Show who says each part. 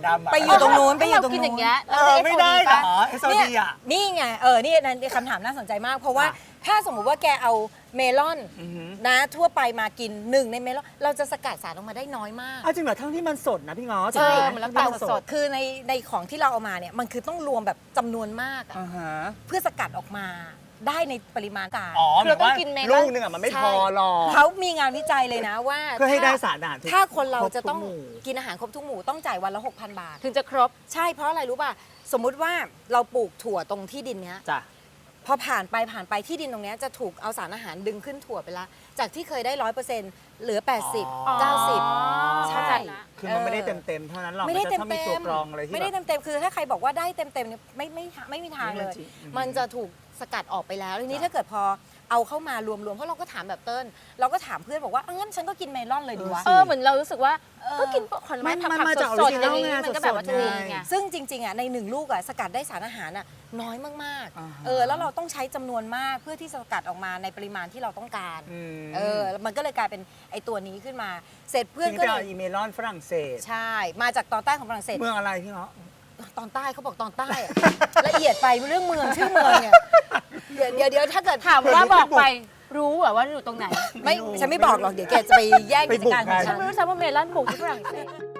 Speaker 1: ดำอะ
Speaker 2: ไปอยู่ตรงนู้นไปอยู่
Speaker 3: เรา
Speaker 2: ตรง
Speaker 3: กินอ
Speaker 2: นู้
Speaker 3: ย่าน งเงี้ย
Speaker 1: ไม่ได้เหรอเอสโอ
Speaker 2: เนี่ย
Speaker 1: ดีอ่ะ
Speaker 2: นี่ไงนี่นั่นคำถามน่าสนใจมาก เพราะว่า
Speaker 1: ค่ะ
Speaker 2: ถ้าสมมุติว่าแกเอาเมลอน
Speaker 1: อือหือ
Speaker 2: นะทั่วไปมากินหนึ่งในเมลอนเราจะสกัดสารออกมาได้น้อยมาก
Speaker 1: จริงเหรอทั้งที่มันสดนะพี่ง้อ
Speaker 2: ใช่
Speaker 3: เหมือนน้ำตาลสด
Speaker 2: คือในของที่เราเอามาเนี่ยมันคือต้องรวมแบบจำนวนมากอะ
Speaker 1: อ่าฮะ
Speaker 2: เพื่อสกัดออกมาได้ในปริมาณต่าง
Speaker 1: อ๋อ
Speaker 3: คือเราต้องกินเมลอน
Speaker 1: ลูกหนึงอ่ะมันไม่พอหรอก
Speaker 2: เขามีงานวิจัยเลยนะว่า
Speaker 1: เพื่อให้ได้สารอาหารทุก
Speaker 2: ถ้าคนเราจะต้อง
Speaker 1: ครบทุกหมู่
Speaker 2: กินอาหารครบทุกหมู่ต้องจ่ายวันละ 6,000 บาท
Speaker 3: ถึงจะครบ
Speaker 2: ใช่เพราะอะไรรู้ป่ะ สมมุติว่าเราปลูกถั่วตรงที่ดินเนี้ย
Speaker 1: จ้ะ
Speaker 2: พอผ่านไปที่ดินตรงเนี้ยจะถูกเอาสารอาหารดึงขึ้นถั่วไปละจากที่เคยได้ 100%เหลือ 80 90 ใช่
Speaker 3: เข้าใจละ
Speaker 1: คือมันไม่ได้เต็มๆเท่านั้นหรอก
Speaker 2: ไม่ได้
Speaker 1: น
Speaker 2: เต็
Speaker 1: จะ
Speaker 2: ม
Speaker 1: ต้องมีตัวกรองอะไรที่
Speaker 2: ไม่ได้
Speaker 1: แบบ
Speaker 2: เต็มคือถ้าใครบอกว่าได้เต็มเนี่ยไม่มีทางเลย
Speaker 1: ไม่จริง
Speaker 2: มันจะถูกสกัดออกไปแล้วทีนี้ถ้าเกิดพอเอาเข้ามารวมๆเพราะเราก็ถามแบบเติ้ลเราก็ถามเพื่อนบอกว่างั้นฉันก็กินเมลอนเลยดีวะ
Speaker 3: เหมือนเรารู้สึกว่าก็กินผลไม้ผัก
Speaker 1: มันจาก
Speaker 3: สดๆอย่างนี้
Speaker 1: original
Speaker 3: มันก็แบบว่า
Speaker 1: สดๆ
Speaker 3: ดี
Speaker 1: ไง
Speaker 3: ไง
Speaker 2: ซึ่งจริงๆอ่ะในหนึ่งลูกอ่ะสกัดได้สารอาหารอ่ะน้อยมาก
Speaker 1: อ่าฮะ
Speaker 2: ๆแล้วเราต้องใช้จำนวนมากเพื่อที่จะสกัดออกมาในปริมาณที่เราต้องการ
Speaker 1: อืม
Speaker 2: มันก็เลยกลายเป็นไอตัวนี้ขึ้นมา เสร็จเพื่อน
Speaker 1: ที
Speaker 2: ก็
Speaker 1: ไป
Speaker 2: เล
Speaker 1: เอา
Speaker 2: ย
Speaker 1: อีเมลอนฝรั่งเศส
Speaker 2: ใช่ มาจากตอนใต้ของฝรั่งเศส
Speaker 1: เมืองอะไรพี่ง้อ
Speaker 2: ตอนใต้เขาบอกตอนใต้อะ ละเอียดไปเรื่องเมืองชื่อเมืองเนี่ยเดี๋ยวถ้าเกิด
Speaker 3: ถามว่าบอกไปรู้เหรอว่าอยู่ตรงไหน
Speaker 2: ไม่ฉันไม่บอกหรอกเดี๋ยวแกจะไปแย่งกิจการของ
Speaker 1: ไปบุกกัน
Speaker 2: ฉัน
Speaker 3: ไม่รู้ซ้ำว่าเมลอนปลูกที่ฝรั่งเศส